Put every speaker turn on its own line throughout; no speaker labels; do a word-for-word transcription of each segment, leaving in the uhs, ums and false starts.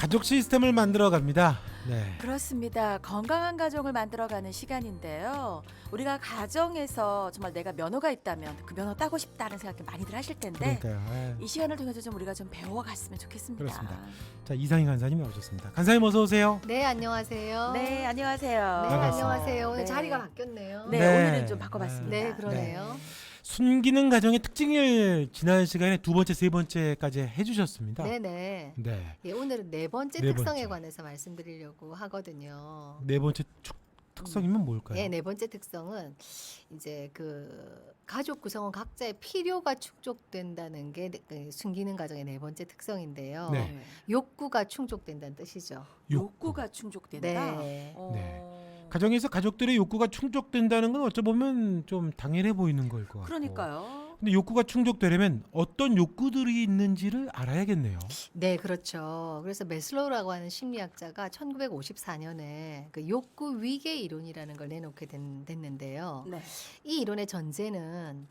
가족 시스템을 만들어 갑니다. 네.
그렇습니다. 건강한 가정을 만들어가는 시간인데요. 우리가 가정에서 정말 내가 면허가 있다면 그 면허 따고 싶다는 생각이 많이들 하실 텐데
그러니까요. 예.
이 시간을 통해서 좀 우리가 좀 배워갔으면 좋겠습니다.
그렇습니다. 자, 이상희 간사님 나오셨습니다. 간사님 어서 오세요.
네, 안녕하세요.
네, 안녕하세요.
네,
반갑습니다.
안녕하세요. 오늘
네.
자리가 바뀌었네요.
네,
네.
오늘은 좀 바꿔봤습니다.
네, 그러네요.
순기능 가정의 특징을 지난 시간에 두 번째, 세 번째까지 해주셨습니다.
네, 네.
네.
예, 오늘은 네 번째
네
특성에
번째.
관해서 말씀드리려고 하거든요.
네 번째 축, 특성이면 뭘까요?
예, 네 번째 특성은 이제 그 가족 구성원 각자의 필요가 충족된다는 게 그 순기능 가정의 네 번째 특성인데요.
네.
네.
욕구가 충족된다는 뜻이죠.
욕구가 충족된다.
네.
어.
네. 가정에서 가족들의 욕구가 충족된다는 건 어쩌보면 좀 당연해 보이는 걸 것 같고.
그러니까요.
근데 욕구가 충족되려면 어떤 욕구들이 있는지를 알아야겠네요.
네, 그렇죠. 그래서 메슬로우라고 하는 심리학자가 천구백오십사 년에 그 욕구 위계 이론이라는 걸 내놓게 된, 됐는데요.
네.
이 이론의 전제는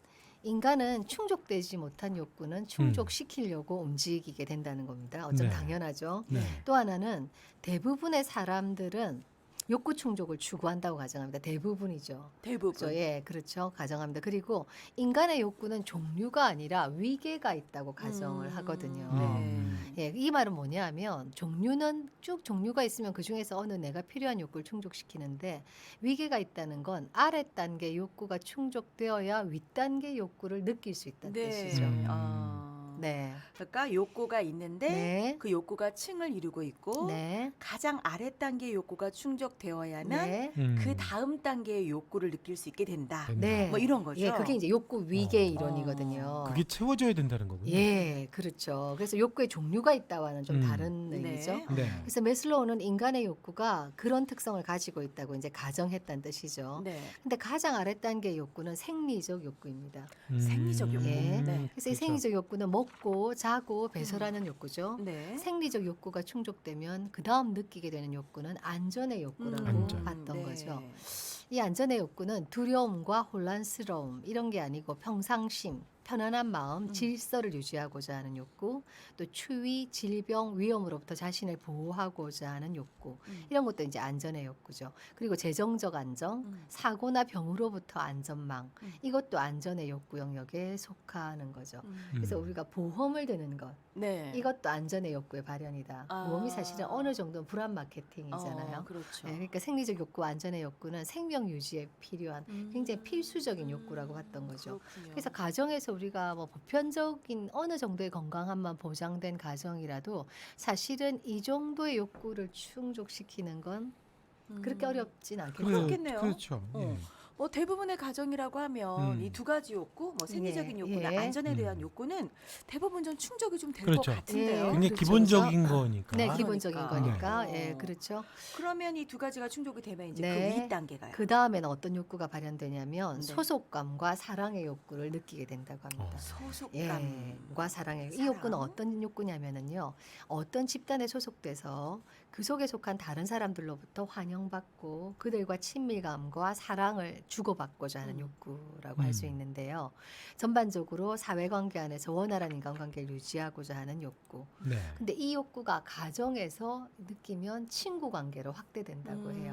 인간은 충족되지 못한 욕구는 충족시키려고 움직이게 된다는 겁니다. 어쩜
네.
당연하죠.
네.
또 하나는 대부분의 사람들은 욕구 충족을 추구한다고 가정합니다. 대부분이죠.
대부분.
그렇죠. 예, 그렇죠. 가정합니다. 그리고 인간의 욕구는 종류가 아니라 위계가 있다고 가정을
음,
하거든요.
음.
예, 이 말은 뭐냐면 종류는 쭉 종류가 있으면 그 중에서 어느 내가 필요한 욕구를 충족시키는데 위계가 있다는 건 아래 단계 욕구가 충족되어야 윗 단계 욕구를 느낄 수 있다는
네.
뜻이죠.
음.
아.
네,
그러니까 욕구가 있는데
네,
그 욕구가 층을 이루고 있고
네,
가장 아래 단계의 욕구가 충족되어야만
네,
음.
그 다음 단계의 욕구를 느낄 수 있게 된다.
된다.
네.
뭐 이런 거죠.
예, 그게 이제 욕구 위계
어.
이론이거든요.
그게 채워져야 된다는 거군요.
예, 그렇죠. 그래서 욕구의 종류가 있다와는 좀
음.
다른
네.
의미죠.
네.
그래서 메슬로우는 인간의 욕구가 그런 특성을 가지고 있다고 이제 가정했다는 뜻이죠.
네.
근데 가장 아래 단계의 욕구는 생리적 욕구입니다.
음.
생리적 욕구.
예.
네.
그래서 이
그렇죠.
생리적 욕구는 먹고 자고 배설하는 욕구죠.
네.
생리적 욕구가 충족되면 그 다음 느끼게 되는 욕구는 안전의 욕구라고
음.
안전.
봤던
네.
거죠. 이 안전의 욕구는 두려움과 혼란스러움 이런 게 아니고 평상심, 편안한 마음,
음.
질서를 유지하고자 하는 욕구, 또 추위, 질병, 위험으로부터 자신을 보호하고자 하는 욕구
음.
이런 것도 이제 안전의 욕구죠. 그리고 재정적 안정,
음.
사고나 병으로부터 안전망
음.
이것도 안전의 욕구 영역에 속하는 거죠.
음.
그래서
음.
우리가 보험을 드는 것
네.
이것도 안전의 욕구의 발현이다.
아.
보험이 사실은 어느 정도는 불안 마케팅이잖아요.
어, 그렇죠.
네, 그러니까 생리적 욕구, 안전의 욕구는 생명 유지에 필요한
음.
굉장히 필수적인 욕구라고 봤던 거죠.
그렇군요.
그래서 가정에서 우리가 뭐 보편적인 어느 정도의 건강함만 보장된 가정이라도 사실은 이 정도의 욕구를 충족시키는 건
음.
그렇게 어렵진 않겠죠.
그래. 그렇겠네요.
그렇죠.
어.
예.
뭐 대부분의 가정이라고 하면
음.
이 두 가지 욕구, 뭐 생리적인
예,
욕구나
예.
안전에 대한
음.
욕구는 대부분 좀 충족이 좀 될 것
그렇죠.
같은데요.
예.
굉장히
그렇죠.
기본적인
그래서-
거니까.
네, 기본적인
그러니까.
거니까.
네.
예, 그렇죠.
그러면 이 두 가지가 충족이 되면 이제
네.
그 윗 단계가요.
그 다음에는 어떤 욕구가 발현되냐면
네.
소속감과 사랑의 욕구를 느끼게 된다고 합니다.
어.
소속감.
예, 과 사랑의 이
사랑.
욕구는 어떤 욕구냐면은요, 어떤 집단에 소속돼서 그 속에 속한 다른 사람들로부터 환영받고 그들과 친밀감과 사랑을 주고받고자 하는
음.
욕구라고 할 수
음.
있는데요. 전반적으로 사회관계 안에서 원활한 인간관계를 유지하고자 하는 욕구.
네.
근데 이 욕구가 가정에서 느끼면 친구 관계로 확대된다고 해요.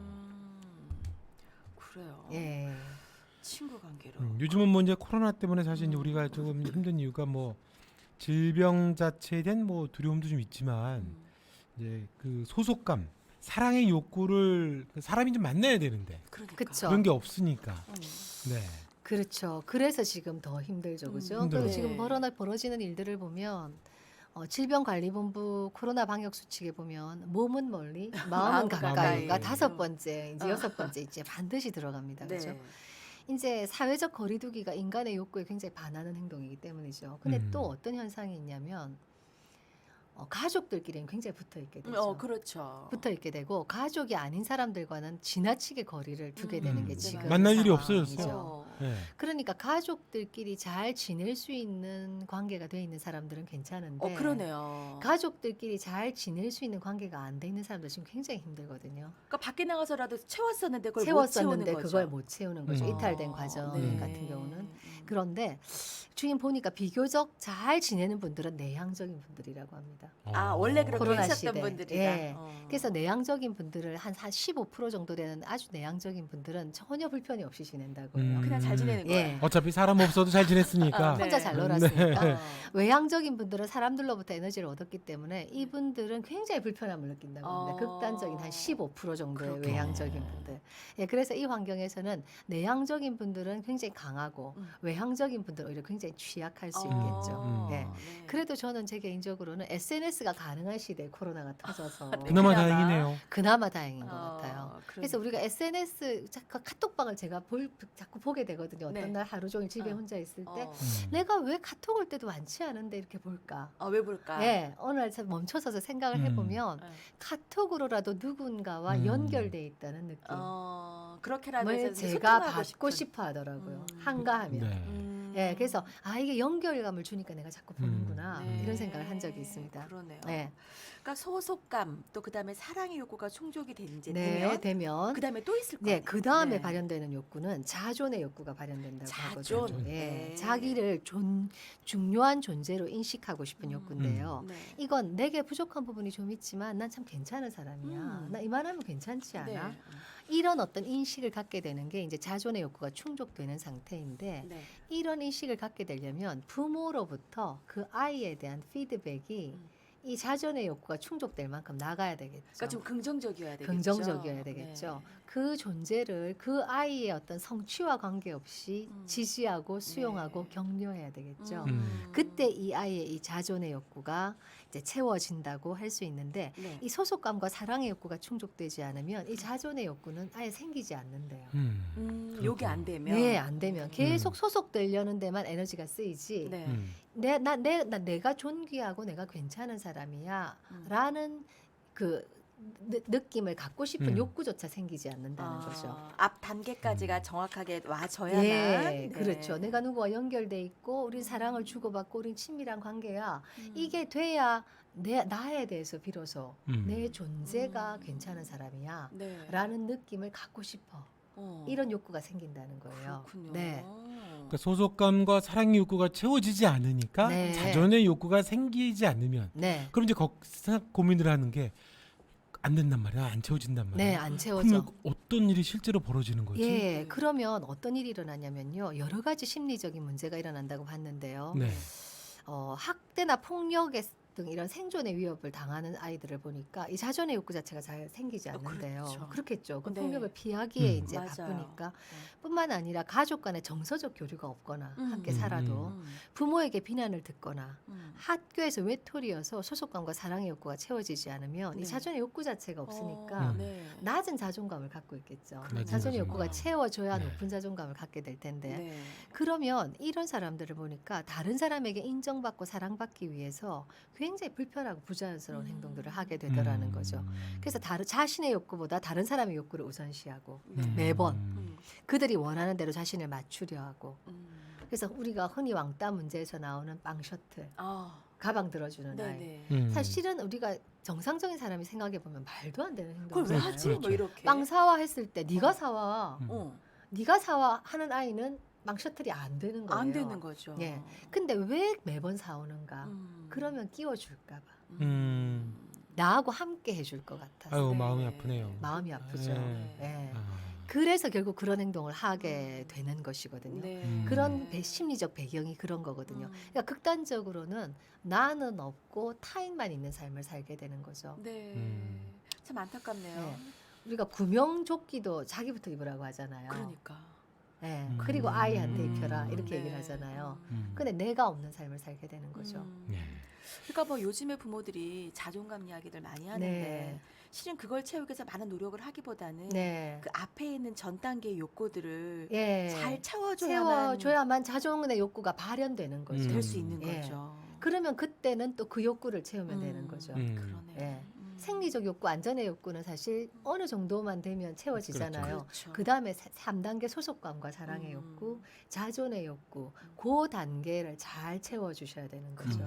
어.
그래요.
예.
친구 관계로.
음, 요즘은 뭐 이제 코로나 때문에 사실 이제
음.
우리가 조금 힘든 이유가 뭐 질병 자체에 대한 뭐 두려움도 좀 있지만
음.
이제 그 소속감, 사랑의 욕구를 사람이 좀 만나야 되는데
그러니까.
그쵸.
그런 게 없으니까.
음.
네.
그렇죠. 그래서 지금 더 힘들죠, 그죠?
음,
힘들어요.
그리고 지금
네.
벌어나 벌어지는 일들을 보면 어, 질병관리본부 코로나 방역 수칙에 보면 몸은 멀리, 마음은
마음은
가까이가
가까이.
다섯 번째, 이제
어.
여섯 번째 이제 반드시 들어갑니다, 그죠?
네.
이제 사회적 거리두기가 인간의 욕구에 굉장히 반하는 행동이기 때문이죠. 근데
음.
또 어떤 현상이 있냐면 어, 가족들끼리는 굉장히 붙어 있게 되죠.
어, 그렇죠.
붙어 있게 되고 가족이 아닌 사람들과는 지나치게 거리를 두게
음,
되는
네,
게 지금
맞아요.
만날 일이
상황이죠.
없어졌어요.
어.
네.
그러니까 가족들끼리 잘 지낼 수 있는 관계가 돼 있는 사람들은 괜찮은데
어, 그러네요.
가족들끼리 잘 지낼 수 있는 관계가 안 돼 있는 사람들 지금 굉장히 힘들거든요.
그러니까 밖에 나가서라도 채웠었는데 그걸
채웠었는데
못 채우는 거죠.
그걸 못 채우는 거죠.
음.
이탈된
어,
과정
네.
같은 경우는. 그런데 주인 보니까 비교적 잘 지내는 분들은 내향적인 분들이라고 합니다.
아 원래 그렇게
코로나
하셨던
시대.
분들이다.
예.
어.
그래서 내향적인 분들을 한, 한 십오 퍼센트 정도 되는 아주 내향적인 분들은 전혀 불편이 없이 지낸다고요.
음.
그냥 잘 지내는 거야.
예.
어차피 사람 없어도 잘 지냈으니까.
아, 네.
혼자 잘 놀았으니까.
네.
어.
외향적인 분들은 사람들로부터 에너지를 얻었기 때문에 이분들은 굉장히 불편함을 느낀다고 합니다.
어.
극단적인 한 십오 퍼센트 정도의
그렇군요.
외향적인 분들. 예, 그래서 이 환경에서는 내향적인 분들은 굉장히 강하고
음.
외향적인 분들은 오히려 굉장히 취약할 수
어.
있겠죠.
음.
예.
네.
그래도 저는 제 개인적으로는 에스엔에스가 가능한 시대에 코로나가 터져서
네.
그나마
그나마.
다행이네요.
그나마 다행인 것
어,
같아요.
그러니까.
그래서 우리가 에스엔에스 자꾸 카톡방을 제가 볼, 자꾸 보게 되거든요. 어떤
네.
날 하루 종일 집에
어.
혼자 있을 때
어.
음.
내가 왜 카톡 올 때도 많지 않은데 이렇게 볼까?
어, 왜 볼까?
예, 어느 날 참 멈춰서서 생각을
음.
해보면
어.
카톡으로라도 누군가와
음.
연결돼 있다는 느낌.
어, 그렇게라도
뭘
해서
제가
소통하고
받고
싶은.
싶어 하더라고요.
음.
한가하면.
네.
음.
예, 그래서 아 이게 연결감을 주니까 내가 자꾸 보는구나
네.
이런 생각을 한 적이 있습니다.
그러네요.
네,
그러니까 소속감 또 그다음에 사랑의 욕구가 충족이 된 이제
네,
되면
되면
그다음에 또 있을
네,
거예요.
그 다음에
네.
발현되는 욕구는 자존의 욕구가 발현된다고
자존.
하거든요. 예,
네.
자기를 존, 중요한 존재로 인식하고 싶은
음.
욕구인데요.
네.
이건 내게 부족한 부분이 좀 있지만 난 참 괜찮은 사람이야.
음.
나 이만하면 괜찮지 않아?
네.
이런 어떤 인식을 갖게 되는 게 이제 자존의 욕구가 충족되는 상태인데
네.
이런 인식을 갖게 되려면 부모로부터 그 아이에 대한 피드백이
음.
이 자존의 욕구가 충족될 만큼 나가야 되겠죠.
그러니까 좀 긍정적이어야 되겠죠.
긍정적이어야 되겠죠.
네.
그 존재를 그 아이의 어떤 성취와 관계없이
음.
지지하고 수용하고
네.
격려해야 되겠죠.
음.
그때 이 아이의 이 자존의 욕구가 이제 채워진다고 할 수 있는데
네.
이 소속감과 사랑의 욕구가 충족되지 않으면 이 자존의 욕구는 아예 생기지 않는데요.
음.
음, 요게 안 되면
네, 안 되면 계속
음.
소속되려는 데만 에너지가 쓰이지.
네.
음.
내, 나, 내, 나, 내가 존귀하고 내가 괜찮은 사람이야.
음.
라는 그 느, 느낌을 갖고 싶은
음.
욕구조차 생기지 않는다는
아,
거죠.
앞 단계까지가
음.
정확하게 와줘야만.
예,
네.
그렇죠. 내가 누구와 연결돼 있고 우린 사랑을 주고받고 우린 친밀한 관계야.
음.
이게 돼야 내 나에 대해서 비로소
음.
내 존재가
음.
괜찮은 사람이야.
네.
라는 느낌을 갖고 싶어.
어.
이런 욕구가 생긴다는 거예요.
그렇군요.
네.
그러니까 소속감과 사랑의 욕구가 채워지지 않으니까
네.
자존의 욕구가 생기지 않으면
네.
그럼 이제 거기서 고민을 하는 게 안 된단 말이야, 안 채워진단 말이야.
네, 안 채워져.
그러면 어떤 일이 실제로 벌어지는 거지?
예, 그러면 어떤 일이 일어나냐면요. 여러 가지 심리적인 문제가 일어난다고 봤는데요.
네.
어, 학대나 폭력의 등 이런 생존의 위협을 당하는 아이들을 보니까 이 자존의 욕구 자체가 잘 생기지
어,
않는데요.
그렇죠.
그렇겠죠. 그
네.
폭력을 피하기에
음.
이제
맞아요.
바쁘니까. 뿐만 아니라 가족 간의 정서적 교류가 없거나
음.
함께
음,
살아도
음.
부모에게 비난을 듣거나
음.
학교에서 외톨이여서 소속감과 사랑의 욕구가 채워지지 않으면
네.
이 자존의 욕구 자체가 없으니까
어,
음.
네.
낮은 자존감을 갖고 있겠죠.
낮은
자존의 욕구가
자존감.
채워져야
네.
높은 자존감을 갖게 될 텐데
네.
그러면 이런 사람들을 보니까 다른 사람에게 인정받고 사랑받기 위해서 굉장히 불편하고 부자연스러운
음.
행동들을 하게 되더라는
음.
거죠. 그래서 다른 자신의 욕구보다 다른 사람의 욕구를 우선시하고
네.
음.
매번.
음.
그들이 원하는 대로 자신을 맞추려 하고
음.
그래서 우리가 흔히 왕따 문제에서 나오는 빵 셔틀,
아,
가방 들어주는 아이.
네네.
음.
사실은 우리가 정상적인 사람이 생각해 보면 말도 안 되는
그걸 왜
행동이잖아요.
하지? 뭐
그렇죠.
이렇게.
빵 사와 했을 때 네가
어.
사와,
음.
어,
네가 사와 하는 아이는 빵 셔틀이 안 되는 거예요.
안 되는 거죠.
예. 근데 왜 매번 사오는가?
음.
그러면 끼워줄까 봐.
음.
나하고 함께 해줄 것 같아서
아유,
네.
마음이 아프네요.
마음이 아프죠.
네.
예.
아.
그래서 결국 그런 행동을 하게 되는 것이거든요.
네.
음.
그런 배- 심리적 배경이 그런 거거든요.
음.
그러니까 극단적으로는 나는 없고 타인만 있는 삶을 살게 되는 거죠.
네.
음.
참 안타깝네요.
네. 우리가 구명조끼도 자기부터 입으라고 하잖아요.
그러니까.
예.
음.
그리고 아이한테
음.
입혀라 이렇게
네.
얘기를 하잖아요.
음.
근데 내가 없는 삶을 살게 되는 거죠.
음.
네.
그러니까 뭐 요즘에 부모들이 자존감 이야기들 많이 하는데
네.
실은 그걸 채우기 위해서 많은 노력을 하기보다는
네.
그 앞에 있는 전 단계의 욕구들을
예.
잘 채워줘야만
채워줘야만 자존의 욕구가 발현되는 거죠.
음.
될 수 있는
예.
거죠.
그러면 그때는 또 그 욕구를 채우면
음.
되는 거죠.
음.
그러네요.
예.
음.
생리적 욕구, 안전의 욕구는 사실 어느 정도만 되면 채워지잖아요.
그렇죠.
그 다음에 삼 단계 소속감과 사랑의
음.
욕구, 자존의 욕구, 그 단계를 잘 채워주셔야 되는 거죠.
그러네요.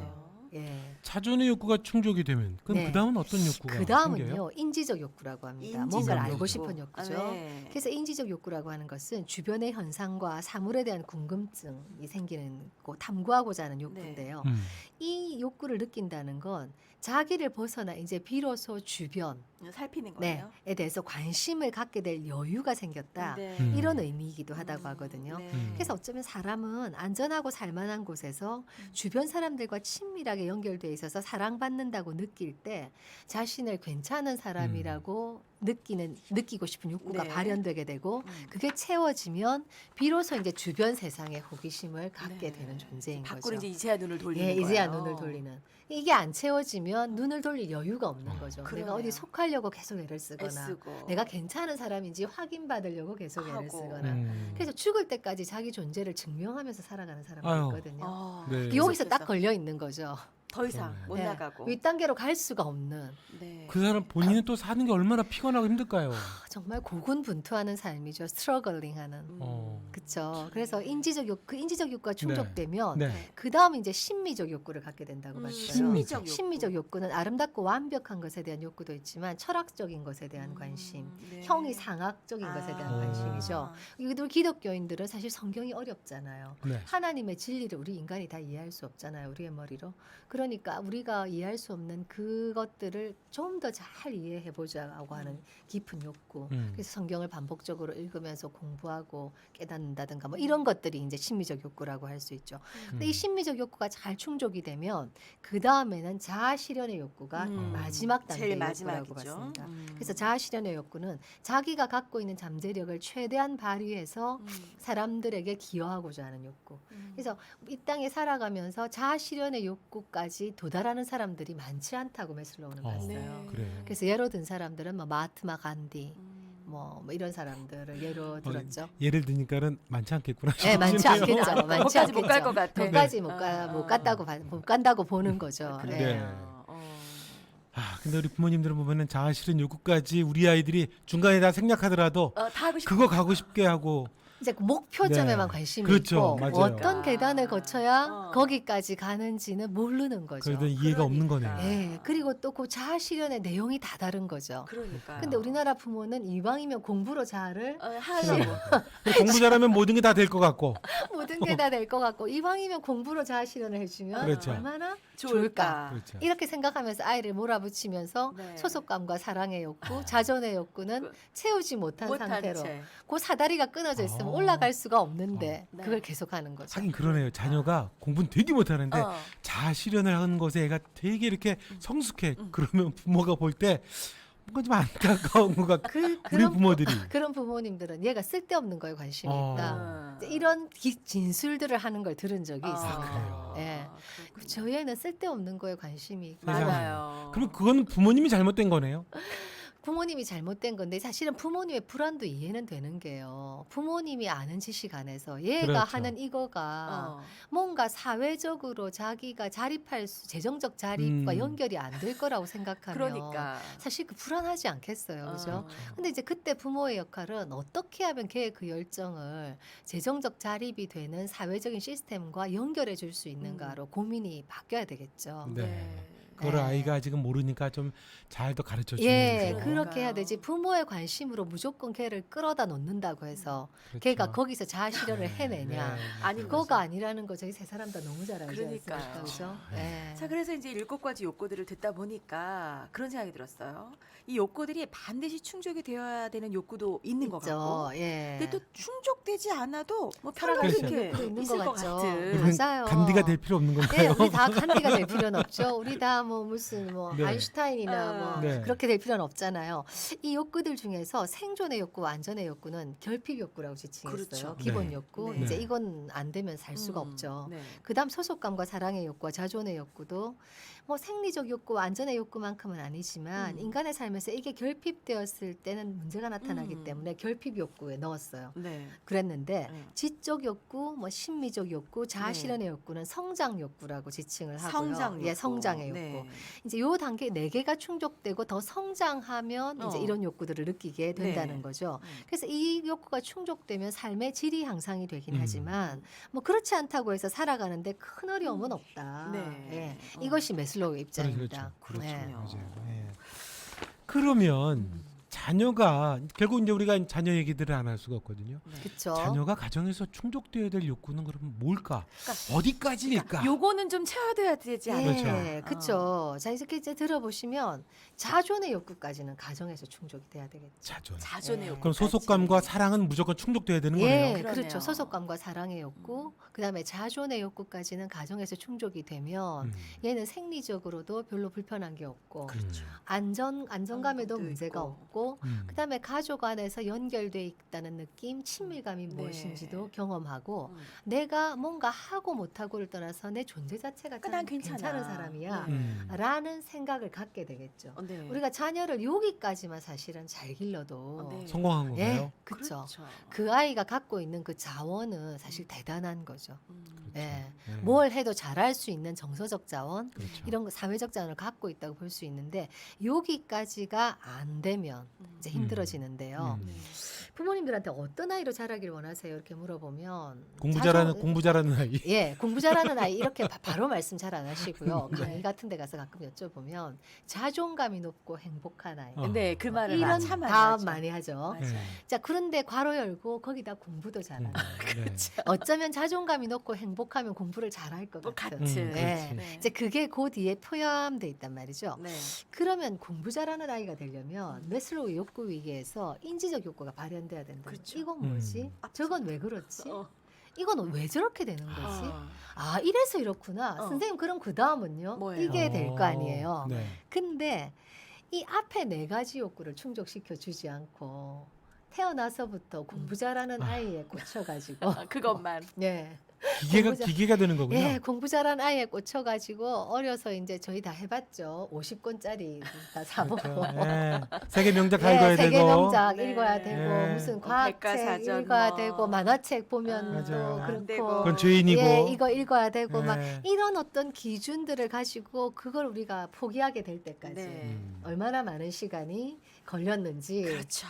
예.
자존의 욕구가 충족이 되면 그럼
네.
그 다음은 어떤 욕구가
그
생겨요?
다음은요 인지적 욕구라고 합니다.
인지적
뭔가를 알고
욕구.
싶은 욕구죠.
아, 네.
그래서 인지적 욕구라고 하는 것은 주변의 현상과 사물에 대한 궁금증이 생기는 거, 탐구하고자 하는 욕구인데요.
음.
이 욕구를 느낀다는 건 자기를 벗어나 이제 비로소 주변
살피는
네,
거예요.
에 대해서 관심을 갖게 될 여유가 생겼다.
네.
음.
이런 의미이기도 하다고
음,
하거든요.
네.
음.
그래서 어쩌면 사람은 안전하고 살만한 곳에서
음.
주변 사람들과 친밀하게 연결돼 있어서 사랑받는다고 느낄 때 자신을 괜찮은 사람이라고 느끼는 느끼고 싶은 욕구가
네.
발현되게 되고
음.
그게 채워지면 비로소 이제 주변 세상에 호기심을 갖게
네.
되는 존재인
밖으로
거죠.
이제 이제야 눈을 돌리는
예,
거예요.
이제야 눈을 돌리는. 이게 안 채워지면 눈을 돌릴 여유가 없는 거죠.
그러네요.
내가 어디 속하려고 계속 애를 쓰거나
애쓰고.
내가 괜찮은 사람인지 확인받으려고 계속 애를
하고.
쓰거나
음.
그래서 죽을 때까지 자기 존재를 증명하면서 살아가는 사람들이
아유.
있거든요.
어,
네.
여기서 딱
계속해서
걸려 있는 거죠.
더 이상
그러네요.
못
네.
나가고.
윗단계로 갈 수가 없는
네.
그 사람 본인은 또 사는 게 얼마나 피곤하고 힘들까요?
정말 고군분투하는 삶이죠. 스트러글링하는.
음.
어.
그렇죠. 그래서 인지적 욕, 그 인지적 욕구가 충족되면
네.
네.
그 다음 이제 심미적 욕구를 갖게 된다고
음,
봤어요.
심미적
욕구.
심미적 욕구는 아름답고 완벽한 것에 대한 욕구도 있지만 철학적인 것에 대한
음,
관심,
네.
형이 상학적인 것에 대한
아.
관심이죠. 이들 기독교인들은 사실 성경이 어렵잖아요.
네.
하나님의 진리를 우리 인간이 다 이해할 수 없잖아요. 우리의 머리로. 그러니까 우리가 이해할 수 없는 그것들을 좀 더 잘 이해해 보자고 하는 깊은 욕구.
음.
그래서 성경을 반복적으로 읽으면서 공부하고 깨닫는다든가 뭐 이런 것들이 이제 심미적 욕구라고 할 수 있죠. 근데 이
음.
심미적 욕구가 잘 충족이 되면 그 다음에는 자아 실현의 욕구가
음.
마지막 단계의
제일
욕구라고
마지막이죠.
봤습니다.
음.
그래서 자아 실현의 욕구는 자기가 갖고 있는 잠재력을 최대한 발휘해서
음.
사람들에게 기여하고자 하는 욕구.
음.
그래서 이 땅에 살아가면서 자아 실현의 욕구까지 도달하는 사람들이 많지 않다고 메슬로우는
어,
봤어요.
네.
그래요.
그래서 예로 든 사람들은 뭐 마하트마 간디
음.
뭐, 뭐 이런 사람들을 예로 들었죠.
예를 드니까는 많지 않겠구나.
네, 많지
싶네요.
않겠죠. 많지
거기까지 못 갈
않겠죠.
것 같아.
거기까지 못 가,
아,
못
아.
간다고 봐- 못 간다고 보는 거죠.
그래요.
예.
네.
어.
아, 근데 우리 부모님들은 보면은 자아 실현 욕구까지 우리 아이들이 중간에 다 생략하더라도
어, 다 하고 싶어.
그거 가고 싶게 하고
이제 그 목표점에만
네.
관심이
그렇죠.
있고
맞아요.
어떤 계단을 거쳐야
어.
거기까지 가는지는 모르는 거죠.
그래도 이해가 없는
그러니까.
거네요.
예. 그리고 또 그 자아 실현의 내용이 다 다른 거죠.
그러니까.
근데 우리나라 부모는 이왕이면 공부로 자아를
어, 하려고.
공부 잘하면 모든 게 다 될 것 같고.
모든 게 다 될 것 같고 이왕이면 공부로 자아 실현을 해주면
그렇죠.
얼마나
좋을까.
그렇죠.
이렇게 생각하면서 아이를 몰아붙이면서
네.
소속감과 사랑의 욕구, 자존의 욕구는
그-
채우지 못한
못한
상태로
채.
그 사다리가 끊어져 있으면
아.
올라갈 수가 없는데
어. 네.
그걸 계속하는 거죠.
하긴 그러네요. 자녀가 공부는 되게 못하는데
어.
자아 실현을 하는 것에 애가 되게 이렇게
음.
성숙해. 그러면 부모가 볼 때 뭔가 좀 안타까운 것 같고
그,
우리
그런,
부모들이
그런 부모님들은 얘가 쓸데없는 거에 관심이
어.
있다.
어.
이제 이런 기- 진술들을 하는 걸 들은 적이
아,
있습니다.
그래요?
예.
그렇군요.
저희 애는 쓸데없는 거에 관심이 있고
세상에.
맞아요.
그럼 그건 부모님이 잘못된 거네요.
부모님이 잘못된 건데 사실은 부모님의 불안도 이해는 되는 게요. 부모님이 아는 지식 안에서 얘가
그렇죠.
하는 이거가
어.
뭔가 사회적으로 자기가 자립할 수 재정적 자립과
음.
연결이 안 될 거라고 생각하면
그러니까.
사실 그 불안하지 않겠어요. 그죠?
어.
근데 이제 그때 부모의 역할은 어떻게 하면 걔의 그 열정을 재정적 자립이 되는 사회적인 시스템과 연결해 줄 수 있는가로 고민이 바뀌어야 되겠죠.
네. 그거를
네.
아이가 아직은 모르니까 좀 잘 더 가르쳐 주는
예,
거죠.
그렇게 해야
그러니까요.
되지. 부모의 관심으로 무조건 걔를 끌어다 놓는다고 해서
그렇죠.
걔가 거기서 자아 실현을
네,
해내냐.
네.
아닌
그거가 아니라는 거 저희 세 사람 다 너무 잘 알지
그러니까요.
않습니까? 그죠?
네.
예.
자, 그래서 이제 일곱 가지 욕구들을 듣다 보니까 그런 생각이 들었어요. 이 욕구들이 반드시 충족이 되어야 되는 욕구도 있는 것
있죠.
같고,
예.
근데 또 충족되지 않아도 뭐
살아갈
편하게
수
이렇게
있는 것도
있을
있는
것
것 같죠.
같은.
우리는
맞아요.
간디가 될 필요 없는
예,
건가요?
우리 다 간디가 될 필요는 없죠. 우리 다 뭐 무슨 뭐
네.
아인슈타인이나 뭐
아.
네.
그렇게 될 필요는 없잖아요. 이 욕구들 중에서 생존의 욕구와 안전의 욕구는 결핍 욕구라고 지칭했어요.
그렇죠.
기본
네.
욕구.
네.
이제 이건 안 되면 살 수가
음,
없죠.
네.
그다음 소속감과 사랑의 욕구와 자존의 욕구도 뭐 생리적 욕구와 안전의 욕구만큼은 아니지만
음.
인간의 삶에서 이게 결핍되었을 때는 문제가 나타나기
음.
때문에 결핍 욕구에 넣었어요.
네.
그랬는데
네.
지적 욕구, 뭐 심미적 욕구, 자아
네.
실현의 욕구는 성장 욕구라고 지칭을 하고요.
성장 욕구.
예, 성장의 욕구.
네.
되고 이제 요 단계 네 개가 충족되고 더 성장하면 이제
어.
이런 욕구들을 느끼게 된다는
네.
거죠.
음.
그래서 이 욕구가 충족되면 삶의 질이 향상이 되긴
음.
하지만 뭐 그렇지 않다고 해서 살아가는데 큰 어려움은 없다.
네.
예.
어.
이것이 메슬로우의 입장입니다.
그렇죠.
네.
맞아요. 예. 그러면
음.
자녀가 결국 이제 우리가 자녀 얘기들을 안 할 수가 없거든요.
네.
그렇죠.
자녀가 가정에서 충족되어야 될 욕구는 그러면 뭘까?
그러니까
어디까지일까?
그러니까 요거는 좀 채워둬야 되지 않을까?
예, 그렇죠. 자 이렇게 이제 들어보시면 자존의 욕구까지는 가정에서 충족이 돼야 되겠죠.
자존.
자존의
예.
욕구.
그럼 소속감과 사랑은 무조건 충족돼야 되는
예,
거네요.
그러네요.
그렇죠. 소속감과 사랑의 욕구, 그다음에 자존의 욕구까지는 가정에서 충족이 되면
음.
얘는 생리적으로도 별로 불편한 게 없고
그렇죠.
안전 안정감에도
안정도
문제가
있고.
없고
음.
그다음에 가족 안에서 연결돼 있다는 느낌, 친밀감이
네.
무엇인지도 경험하고
음.
내가 뭔가 하고 못하고를 떠나서 내 존재 자체가
그러니까
참
난 괜찮아.
괜찮은 사람이야
네.
음.
라는 생각을 갖게 되겠죠.
어, 네.
우리가 자녀를 여기까지만 사실은 잘 길러도
어, 네.
성공한
예,
건가요?
그렇죠.
그렇죠.
그 아이가 갖고 있는 그 자원은 사실 대단한 거죠.
음.
그렇죠.
예.
예.
뭘 해도 잘할 수 있는 정서적 자원,
그렇죠.
이런 거 사회적 자원을 갖고 있다고 볼 수 있는데 여기까지가 안 되면
음.
이제 힘들어지는데요.
음.
네.
부모님들한테 어떤 아이로 자라길 원하세요? 이렇게 물어보면
공부
자존-
잘하는 공부 잘하는 아이.
예, 공부 잘하는 아이 이렇게 바, 바로 말씀 잘 안 하시고요.
네.
강의 같은 데 가서 가끔 여쭤보면 자존감이 높고 행복한 아이.
어.
네, 그 말을
이런
참 많이
답
하죠.
많이 하죠.
맞아요.
예.
자, 그런데 괄호 열고 거기다 공부도 잘하는.
음. 네.
어쩌면 자존감이 높고 행복하면 공부를 잘할 것
뭐
같은.
같은.
음,
네.
그렇지.
이제 그게 그 뒤에 포함돼 있단 말이죠.
네.
그러면 공부 잘하는 아이가 되려면
음.
메슬로우 욕구 위기에서 인지적 욕구가 발현돼야 된다.
그렇죠.
이건 뭐지?
음.
저건 왜 그렇지?
어.
이건 왜 저렇게 되는 거지?
어.
아 이래서 이렇구나.
어.
선생님 그럼 그 다음은요?
뭐예요?
이게 될 거
어,
아니에요.
네.
근데 이 앞에 네 가지 욕구를 충족시켜 주지 않고 태어나서부터 공부 잘하는
아.
아이에 꽂혀가지고
아, 그것만.
예.
기계가
공부 잘-
기계가 되는 거군요.
예, 공부 잘한 아이에 꽂혀가지고 어려서 이제 저희 다 해봤죠. 오십 권짜리 다 사보고.
그렇죠. 예. 세계 명작 다 읽어야
예, 세계
되고.
명작
네.
읽어야 되고
예.
무슨
뭐
과학책
백과사전
읽어야
뭐.
되고 만화책 보면
아,
또
맞아요.
그렇고
되고.
그건 죄인이고.
예, 이거 읽어야 되고 막
예.
이런 어떤 기준들을 가지고 그걸 우리가 포기하게 될 때까지
네.
음.
얼마나 많은 시간이 걸렸는지
그렇죠.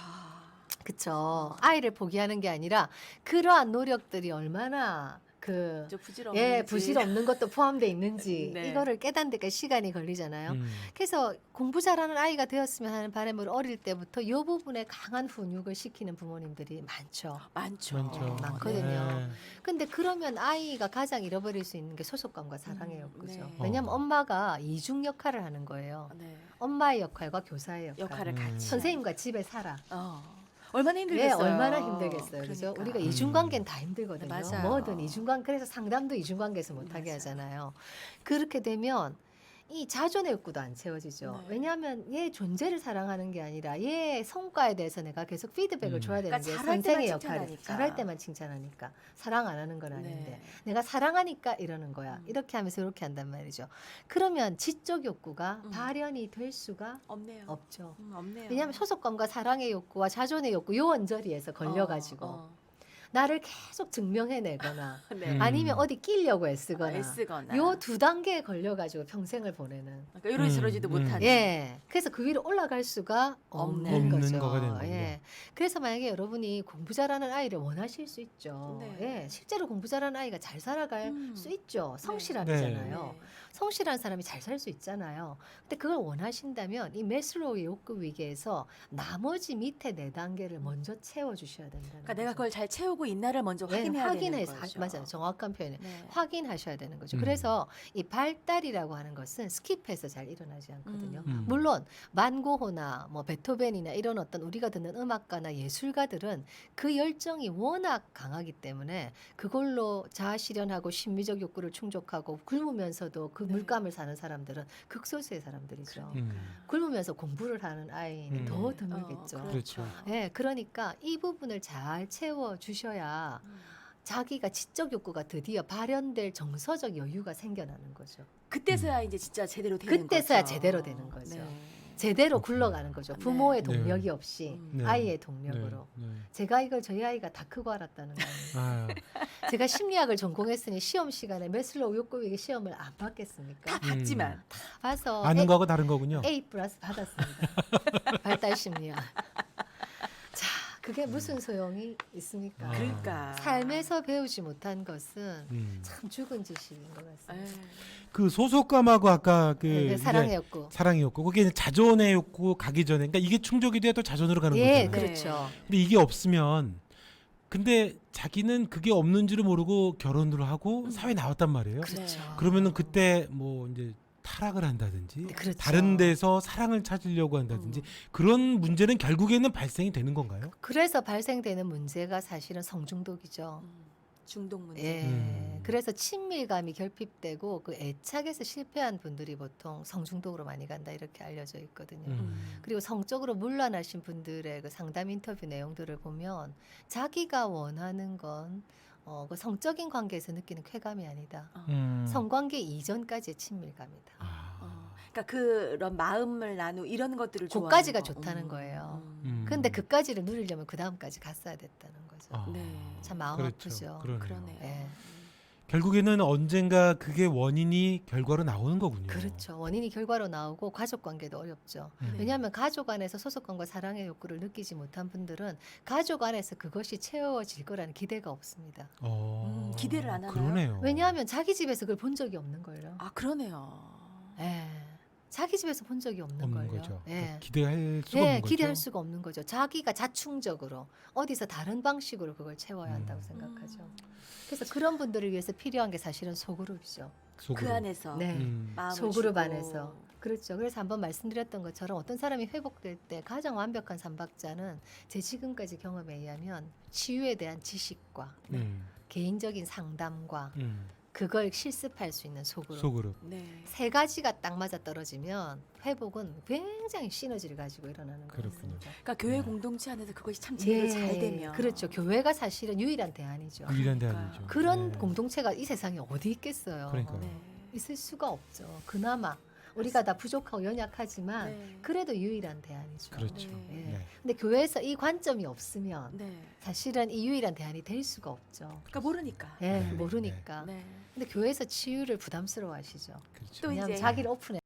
그쵸. 아이를 포기하는 게 아니라 그러한 노력들이 얼마나 그
저 부질없는지.
예, 부실 없는 것도 포함되어 있는지
네.
이거를 깨닫는 데까지 시간이 걸리잖아요.
음.
그래서 공부 잘하는 아이가 되었으면 하는 바람으로 어릴 때부터 이 부분에 강한 훈육을 시키는 부모님들이 많죠.
많죠.
많죠.
어, 많거든요.
예.
근데 그러면 아이가 가장 잃어버릴 수 있는 게 소속감과 사랑의
음,
욕구죠.
네.
왜냐하면
어.
엄마가 이중 역할을 하는 거예요.
네.
엄마의 역할과 교사의 역할.
역할을
음.
같이.
선생님과 집에 살아.
어. 얼마나
예,
힘들겠어요.
얼마나 힘들겠어요. 그죠?
그러니까.
우리가
음.
이중관계는 다 힘들거든요.
네, 맞아요.
뭐든 이중관 그래서 상담도 이중관계에서 못하게
맞아요.
하잖아요. 그렇게 되면 이 자존의 욕구도 안 채워지죠.
네.
왜냐하면 얘 존재를 사랑하는 게 아니라 얘 성과에 대해서 내가 계속 피드백을
음.
줘야 되는
그러니까
게
잘할
선생의
때만
역할이.
칭찬하니까.
잘할 때만 칭찬하니까. 사랑 안 하는 건 아닌데.
네.
내가 사랑하니까 이러는 거야.
음.
이렇게 하면서 이렇게 한단 말이죠. 그러면 지적 욕구가
음.
발현이 될 수가
없네요.
없죠.
음, 없네요.
왜냐하면 소속감과 사랑의 욕구와 자존의 욕구 요 언저리에서 걸려가지고
어,
나를 계속 증명해내거나
어. 네.
음.
아니면 어디 끼려고 애쓰거나
애쓰거나.
요 두 단계에 걸려가지고 평생을 보내는.
그러니까 이러지러지도
음,
못하는.
예. 그래서 그 위로 올라갈 수가 없는,
없는
거죠.
거가 되는 거군요.
예. 그래서 만약에 여러분이 공부 잘하는 아이를 원하실 수 있죠.
네.
예. 실제로 공부 잘하는 아이가 잘 살아갈
음.
수 있죠.
네.
성실함이잖아요.
네.
성실한 사람이 잘 살 수 있잖아요. 근데 그걸 원하신다면 이 메슬로우의 욕구 위기에서 나머지 밑에 네 단계를 먼저 채워 주셔야 된다는
그러니까 내가
거죠.
그걸 잘 채우고 있나를 먼저
네,
확인해야
확인해서
되는
하-
거죠.
맞아요. 정확한 표현이
네.
확인하셔야 되는 거죠.
음.
그래서 이 발달이라고 하는 것은 스킵해서 잘 일어나지 않거든요.
음.
음.
물론 만고호나 뭐 베토벤이나 이런 어떤 우리가 듣는 음악가나 예술가들은 그 열정이 워낙 강하기 때문에 그걸로 자아 실현하고 심미적 욕구를 충족하고 굶으면서도 그
네.
물감을 사는 사람들은 극소수의 사람들이죠.
음.
굶으면서 공부를 하는 아이는
음.
더
어,
드물겠죠.
그렇죠.
예, 그러니까 이 부분을 잘 채워 주셔야
음.
자기가 지적 욕구가 드디어 발현될 정서적 여유가 생겨나는 거죠.
그때서야 이제 진짜 제대로 되는
그때서야
거죠.
제대로 되는 거죠.
네.
제대로
그렇구나.
굴러가는 거죠.
네.
부모의
네.
동력이 없이
음.
네.
아이의 동력으로.
네, 네.
제가 이걸 저희 아이가 다 크고 알았다는 거예요.
아,
제가 심리학을 전공했으니 시험 시간에 매슬로우 욕구위기 시험을 안 받겠습니까?
다 봤지만
봐서
아는
A,
거하고 다른 거군요.
A 플러스 받았습니다. 발달 심리학. 자, 그게 무슨 소용이 있습니까?
아.
그러니까
삶에서 배우지 못한 것은
음.
참 죽은 지식인 것 같습니다.
에이,
그 소속감하고 아까 그
네,
이제
사랑의 욕구.
사랑의 욕구, 그게 이제 자존의 욕구 가기 전에, 그러니까 이게 충족이 돼야 또 자존으로 가는
예,
거잖아요.
그렇죠.
근데 이게 없으면, 근데 자기는 그게 없는 줄을 모르고 결혼을 하고
음.
사회 에 나왔단 말이에요.
그렇죠.
네.
그러면은 그때 뭐 이제 타락을 한다든지
네, 그렇죠.
다른 데서 사랑을 찾으려고 한다든지
음.
그런 문제는 결국에는 발생이 되는 건가요?
그래서 발생되는 문제가 사실은 성중독이죠.
음, 중독 문제.
예.
음.
그래서 친밀감이 결핍되고 그 애착에서 실패한 분들이 보통 성중독으로 많이 간다 이렇게 알려져 있거든요.
음.
음.
그리고 성적으로 문란하신 분들의 그 상담 인터뷰 내용들을 보면 자기가 원하는 건 어, 그 성적인 관계에서 느끼는 쾌감이 아니다.
어.
음.
성관계 이전까지의 친밀감이다.
아.
어. 그러니까 그런 마음을 나누 이런 것들을
그까지가
좋아하는 거.
좋다는
음.
거예요.
음.
근데 그까지를 누리려면 그 다음까지 갔어야 됐다는 거죠.
아.
네.
참 마음
그렇죠.
아프죠.
그러네요.
그러네요.
예.
결국에는 언젠가 그게 원인이 결과로 나오는 거군요.
그렇죠. 원인이 결과로 나오고 가족 관계도 어렵죠.
음.
네.
왜냐하면 가족 안에서 소속감과 사랑의 욕구를 느끼지 못한 분들은 가족 안에서 그것이 채워질 거라는 기대가 없습니다.
어.
음, 기대를 안 하나요?
그러네요.
왜냐하면 자기 집에서 그걸 본 적이 없는 걸요.
아 그러네요.
예. 자기 집에서 본 적이 없는,
없는
걸요.
거죠.
예.
그러니까 기대할 수가
예,
없는 거죠.
기대할 수가 없는 거죠. 자기가 자충적으로 어디서 다른 방식으로 그걸 채워야 한다고
음.
생각하죠.
음.
그래서 그런 분들을 위해서 필요한 게 사실은 소그룹이죠.
속으로.
그 안에서
네.
음.
마음을
소그룹
주고.
안에서. 그렇죠. 그래서 한번 말씀드렸던 것처럼 어떤 사람이 회복될 때 가장 완벽한 삼박자는 제 지금까지 경험에 의하면 치유에 대한 지식과
음.
개인적인 상담과
음.
그걸 실습할 수 있는 소그룹.
속으로.
네.
세 가지가 딱 맞아 떨어지면 회복은 굉장히 시너지를 가지고 일어나는 거예요.
그렇군요.
그러니까 교회
네.
공동체 안에서 그것이 참 제대로 잘 되면
그렇죠. 교회가 사실은 유일한 대안이죠.
유일한
그러니까요.
대안이죠.
그런
네.
공동체가 이 세상에 어디 있겠어요.
그러니까요.
네.
있을 수가 없죠. 그나마 우리가 다 부족하고 연약하지만
네.
그래도 유일한 대안이죠.
그렇죠.
네.
예.
네.
근데 교회에서 이 관점이 없으면
네.
사실은 이 유일한 대안이 될 수가 없죠.
그러니까 모르니까.
예,
네.
모르니까.
네.
근데 교회에서 치유를 부담스러워하시죠.
그렇죠.
또
왜냐하면
이제
자기를 오픈해.